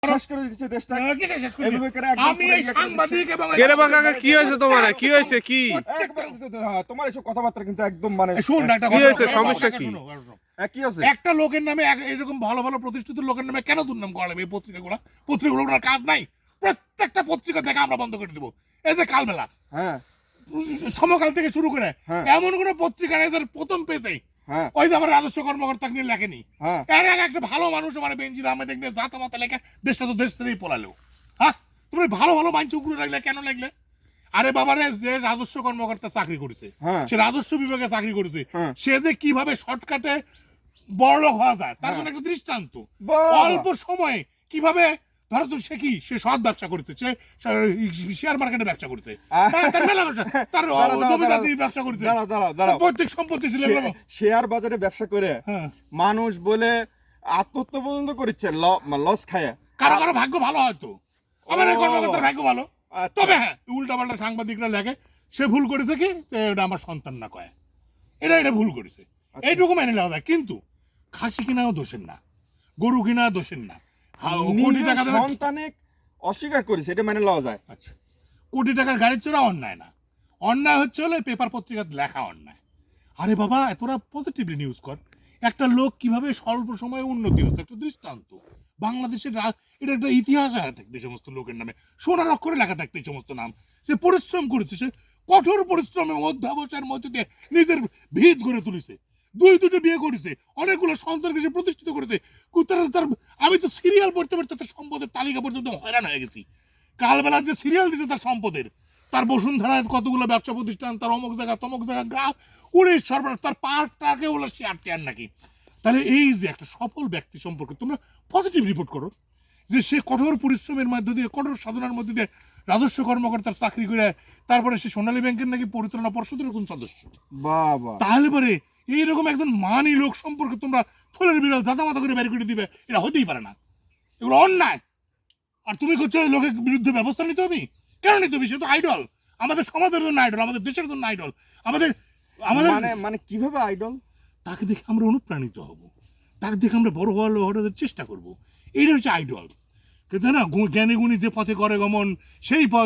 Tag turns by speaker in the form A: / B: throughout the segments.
A: শেষ করে দিচ্ছে দেশটা। এভাবে করে
B: আমি এই সাংবাদিক এবং
C: কেরে বাকা কি হয়েছে তোমার? কি হয়েছে? কি
A: তোমার এসব কথাবার্তা কিন্তু একদম মানে
B: শুন না, একটা
C: কি
B: কথা
C: হয়েছে?
B: শোনো,
C: সমস্যা
B: কথা
C: কি?
B: শোনো।
A: কি আছে?
B: একটা লোকের নামে এরকম ভালো ভালো প্রতিষ্ঠিত লোকের নামে কেন দুর্নাম করা লাগবে? এই পত্রিকাগুলোর কাজ নাই? প্রত্যেকটা পত্রিকা থেকে আমরা বন্ধ করে দেবো। এই যে কালবেলা,
A: হ্যাঁ
B: সমকাল থেকে শুরু করে
A: হ্যাঁ।
B: এমন কোন পত্রিকা নেই যার প্রথম পেজে
A: হ্যাঁ
B: ওই যে আমার রাজস্ব কর্মকর্তা নিয়ে লেখেনি।
A: হ্যাঁ
B: এর আগে একটা ভালো মানুষ মানে বেঞ্জির আহমেদ নিয়ে জাতা মাতা লেখা দেশটা তো দেশ ছেড়েই পলালো। হ্যাঁ, তুমি ভালো ভালো মানুষ উগ্র লাগলে কেন লাগলে? আরে বাবারে, যে রাজস্ব কর্মকর্তা চাকরি করেছে,
A: হ্যাঁ।
B: সে রাজস্ব বিভাগে চাকরি করেছে,
A: হ্যাঁ।
B: সে যে কিভাবে শর্টকাটে বড়লোক হওয়া যায় তার জন্য একটা দৃষ্টান্ত।
A: বাহ!
B: অল্প সময়ে কিভাবে, ধরো তো সে কি, সে সৎ ব্যবসা করতে, সে শেয়ার মার্কেটে ব্যবসা করছে, তার মেলা ব্যবসা, তার জমিদারি ব্যবসা করছে,
A: দাঁড়াও
B: প্রত্যেক সম্পত্তি ছিল এগুলো।
A: শেয়ার বাজারে ব্যবসা করে
B: হ্যাঁ,
A: মানুষ বলে আত্মহত্যা পর্যন্ত করছে লস খায়।
B: কারো কারো ভাগ্য ভালো হয়তো, আমার এই
A: ও।
B: কর্মকর্তার ভাগ্য ভালো।
A: আচ্ছা।
B: তবে হ্যাঁ, উল্টা পাল্টা সাংবাদিকরা লেখে সে ভুল করেছে কি, যে এটা আমার সন্তান না কয়, এটা ভুল করেছে, এইটুকু মেনে নেওয়া যায়। কিন্তু খাসি কিনাও দোষের না, গরু কিনা দোষের না। কোটি টাকা দেবে,
A: সন্তানে অস্বীকার করেছে, এটা মেনে লওয়া যায়।
B: আচ্ছা, কোটি টাকার গাড়ির চোরা অন্যায় না? অন্যায় হচ্ছে হলে পেপার পত্রিকাতে লেখা অন্যায়। আরে বাবা, এতটা পজিটিভলি নিউজ কর। একটা লোক কিভাবে স্বল্প সময়ে উন্নতি হচ্ছে, একটা দৃষ্টান্ত। বাংলাদেশের এটা একটা ইতিহাস আছে থাকবে এই সমস্ত লোকের নামে, সোনার অক্ষরে লেখা থাকবে এই সমস্ত নাম। সে পরিশ্রম করেছে, সে কঠোর পরিশ্রমের অধ্যাবসায়ের মধ্যে দিয়ে নিজের ভিত গড়ে তুলেছে, দুটো বিয়ে করেছে, অনেকগুলো সন্তানকে সে প্রতিষ্ঠিত করেছে। তার আমি তো সিরিয়াল পড়তে পড়তে তার সম্পদের তালিকা পর্যন্ত হয়রান হয়ে গেছি। কালবেলা যে সিরিয়াল দিছে তার সম্পদের, তার বসুন্ধরায় কতগুলো ব্যবসা প্রতিষ্ঠান, তার অমুক জায়গা তমুক জায়গা গা উড়ে সর্বনাশ, তার পার্কটাকে হলো শেয়ার টেয়ার নাকি। তাহলে এই যে একটা সফল ব্যক্তি সম্পর্কে তোমরা পজিটিভ রিপোর্ট করো, যে সে কঠোর পরিশ্রমের মধ্যে দিয়ে, কঠোর সাধনার মধ্যে দিয়ে রাজস্ব কর্মকর্তার চাকরি করে তারপরে সে সোনালী ব্যাংকের নাকি পরিচালনা পর্ষদের একজন সদস্য।
A: বাবা,
B: তাহলে পরে এইরকম একজন মানি লোক সম্পর্কে তোমরা থলের বিড়াল জাতামাতা করে বের করে দিবে, এটা হতেই পারে না, এগুলো অন্যায়। আর তুমি করছো ওই লোকের বিরুদ্ধে ব্যবস্থা নিতে হবে? কেন নিতে হবে? সে তো আইডল, আমাদের সমাজের জন্য আইডল, আমাদের দেশের জন্য আইডল, আমাদের আমাদের
A: মানে কিভাবে আইডল?
B: তাকে দেখে আমরা অনুপ্রাণিত হব, তাকে দেখে আমরা বড় হওয়ার চেষ্টা করব, এইটা হচ্ছে আইডল। কিন্তু না, জ্ঞানী গুণী যে পথে করে গমন, সেই পথ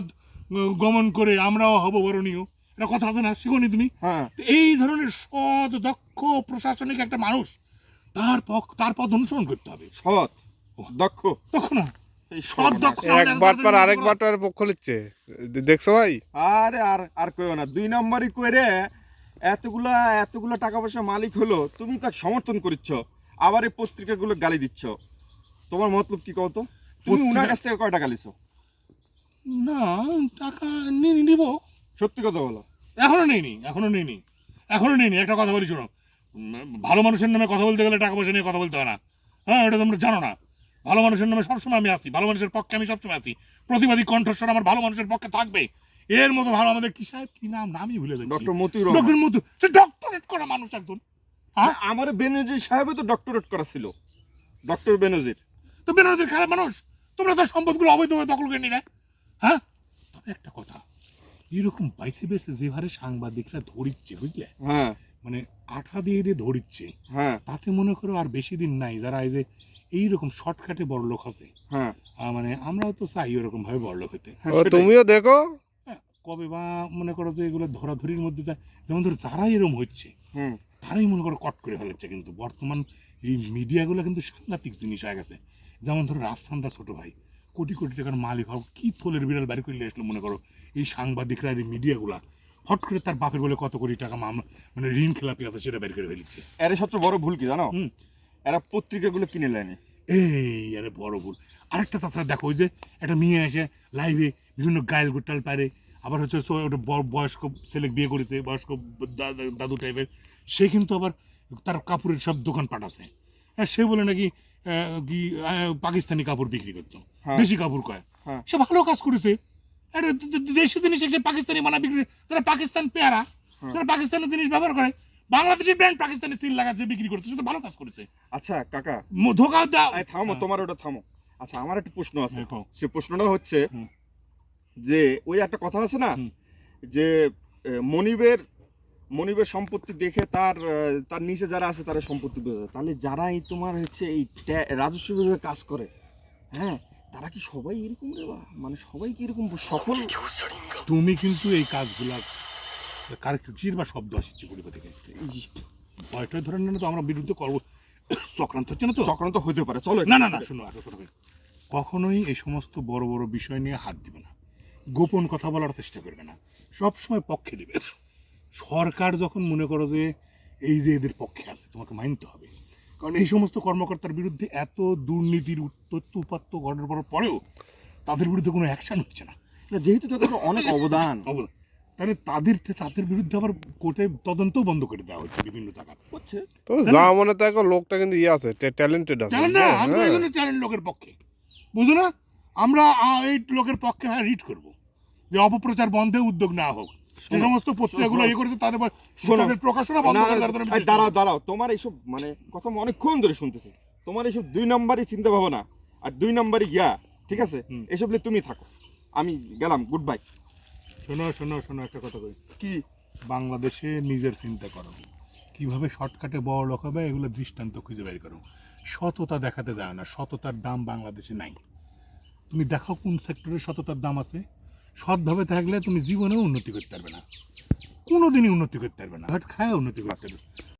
B: গমন করে আমরাও হব বরণীয়, এটা কথা আছে না, শিখোনি তুমি?
A: হ্যাঁ।
B: তো এই ধরনের সৎ দক্ষ প্রশাসনিক একটা মানুষ, তার পথ অনুসরণ করতে হবে।
A: সৎ দক্ষ
B: তখন না
A: এই
B: সৎ দক্ষ না হলে
C: একবার পর আরেকবার তো পক্ষ নিচ্ছে, দেখছো ভাই?
A: আরে আর আর কইও না, 2 নম্বরই কইরে এতগুলা টাকা পয়সা মালিক হলো, তুমি তাকে সমর্থন করছ, আবার এই পত্রিকাগুলো গালি দিচ্ছ। তোমার মতলব কি কও তো? তুমি উনার কাছ থেকে কয় টাকা লিছো?
B: না, টাকা নিব,
A: সত্যি কথা বলো।
B: এখনো নেইনি। একটা কথা বলি শোনো, ভালো মানুষের নামে কথা বলতে গেলে টাকা পয়সা নিয়ে কথা বলতে হয় না। হ্যাঁ, এটা তোমরা জানো না। ভালো মানুষের নামে সবসময় আমি আছি, ভালো মানুষের পক্ষে আমি সবসময় আছি, প্রতিবাদী কণ্ঠস্বর আমার ভালো মানুষের পক্ষে থাকবে। এর মতো ভালো আমাদের কি সাহেব, কি নামই ভুলে যাচ্ছি,
A: ডক্টর মতিউর
B: ডক্টর
A: রহমান।
B: মধু, সে ডক্টরেট করা মানুষ একজন। হ্যাঁ,
A: আমার বেনজির সাহেব তো ডক্টরেট করা ছিল, ডক্টর বেনজির।
B: তো বেনারসের খারাপ মানুষ, তোমরা তার সম্পদগুলো অবৈধভাবে দখল করে নিলে। হ্যাঁ, তবে একটা কথা, এরকম বাইসে বেসে যে হারে সাংবাদিকরা ধরিচ্ছে, বুঝলে,
A: হ্যাঁ
B: মানে আঠা দিয়ে ধরিচ্ছে,
A: হ্যাঁ
B: তাতে মনে করো আর বেশি দিন নাই যারা এই যে এইরকম শর্টকাটে বড়লোক আছে।
A: হ্যাঁ।
B: মানে আমরাও তো চাই ওরকম ভাবে বড়লোক হইতে।
C: ও তুমিও দেখো।
B: হ্যাঁ, কবে বা মনে করো যে এগুলো ধরাধরির মধ্যে যায়, যেমন ধরো যারাই এরকম হচ্ছে
A: হুম।
B: তারাই মনে করো কট করে ফেলেছে। কিন্তু বর্তমান এই মিডিয়াগুলো কিন্তু সাংঘাতিক জিনিস হয়ে গেছে। যেমন ধরো রাফসানদা ছোট ভাই কোটি কোটি টাকার মালিক হোক, কি থলের বিড়াল বাড়ি করে আসলো মনে করো এই সাংবাদিকরা, এই মিডিয়াগুলা হট করে তার বাপের বলে কত কোটি টাকা মামলা, মানে ঋণ খেলাপি আছে, সেটা বের করে ফেলেছে।
A: এর সবচেয়ে বড় ভুল কি জানো?
B: হুম।
A: এরা পত্রিকাগুলো কিনে নেয়নি।
B: এই আরে বড় ভুল। আরেকটা তাছাড়া দেখো, ওই যে একটা মেয়ে এসে লাইভে বিভিন্ন গায়েল গোটাল পারে, আবার হচ্ছে ওটা বয়স্ক ছেলে বিয়ে করেছে, বয়স্ক দাদু টাইপের, সে কিন্তু আবার তার কাপড়ের সব দোকান পাঠাছে। হ্যাঁ, সে বলে নাকি কি পাকিস্তানি কাপড় বিক্রি করতো,
A: হ্যাঁ।
B: দেশি কাপড় কয়।
A: হ্যাঁ।
B: সে ভালো কাজ করেছে, আরে দেশি জিনিস সে পাকিস্তানি বানা বিক্রি, যারা পাকিস্তান পেয়ারা, যারা পাকিস্তানের জিনিস ব্যবহার করে, বাংলাদেশের ব্র্যান্ড পাকিস্তানি সিল লাগাচ্ছে বিক্রি করছে, সে তো ভালো কাজ করেছে।
A: আচ্ছা কাকা,
B: ধোকা দাও।
A: থামো, তোমার ওটা থামো। আচ্ছা, আমার একটা প্রশ্ন আছে।
B: দেখো।
A: সে প্রশ্নটা হচ্ছে
B: হুম।
A: যে ওই একটা কথা আছে না,
B: হুম।
A: যে মনিবের সম্পত্তি দেখে তার নিচে যারা আছে তারা সম্পত্তি বোঝা যায়। তাহলে যারাই তোমার হচ্ছে এই রাজস্ব বিভাগে কাজ করে, হ্যাঁ, কি সবাই এরকম রে বা? মানে সবাই কি এরকম সকল?
B: তুমি কিন্তু এই কাজগুলা কার কিসির বা শব্দ আসছে পরিবার থেকে ভয়টা ধরে না তো আমরা বিরুদ্ধে করবো চক্রান্ত হচ্ছে না তো
A: চক্রান্ত হতে পারে, চলো।
B: না না না শোনো আর কথা বলি। কখনোই এই সমস্ত বড় বড় বিষয় নিয়ে হাত দিবে না, গোপন কথা বলার চেষ্টা করবে না, সব সময় পক্ষে দিবে। সরকার যখন মনে করো যে এই যে এদের পক্ষে আছে তোমাকে মানতে হবে, কারণ এই সমস্ত কর্মকর্তার বিরুদ্ধে এত দুর্নীতির তথ্য উপাত্ত ঘটার পরেও তাদের বিরুদ্ধে কোনো অ্যাকশন হচ্ছে না।
A: না, যেহেতু তাদের অনেক অবদান
B: তাহলে তাদের বিরুদ্ধে আবার কোর্টে তদন্তও বন্ধ করে দেওয়া হচ্ছে বিভিন্ন জায়গায়
A: হচ্ছে।
C: তো যা মনে দেখো লোকটা কিন্তু ইয়ে আছে, ট্যালেন্টেড আছে।
B: জানেন না আমরা
C: হ্যাঁ।
B: এই জন্য ট্যালেন্ট লোকের পক্ষে, বুঝো না, আমরা এই লোকের পক্ষে হ্যাঁ রিড করব যে অপপ্রচার বন্ধে উদ্যোগ নেওয়া হোক, যে সমস্ত পত্রিকাগুলো ইয়ে করেছে তাদের তাদের প্রকাশনা বন্ধ করে দেওয়ার জন্য আমি
A: দাঁড়াও দাঁড়াও, তোমার এইসব মানে কথা আমি অনেকক্ষণ ধরে শুনতেছি। তোমার এইসব 2 নম্বরই চিন্তা ভাবনা আর 2 নম্বরই গিয়া, ঠিক আছে? এসব নিয়ে তুমি থাকো, আমি গেলাম, গুড বাই।
B: শোনো শোনো শোনো একটা কথা কই,
A: কি?
B: বাংলাদেশে নিজের চিন্তা করো, কিভাবে শর্টকাটে বড় লোক হবে এগুলো দৃষ্টান্ত খুঁজে বের করো। সততা দেখাতে যায় না, সততার দাম বাংলাদেশে নাই। তুমি দেখো কোন সেক্টরে সততার দাম আছে। সৎভাবে থাকলে তুমি জীবনেও উন্নতি করতে পারবে না, কোনোদিনই উন্নতি করতে পারবে না, খায় উন্নতি করতে পারবে।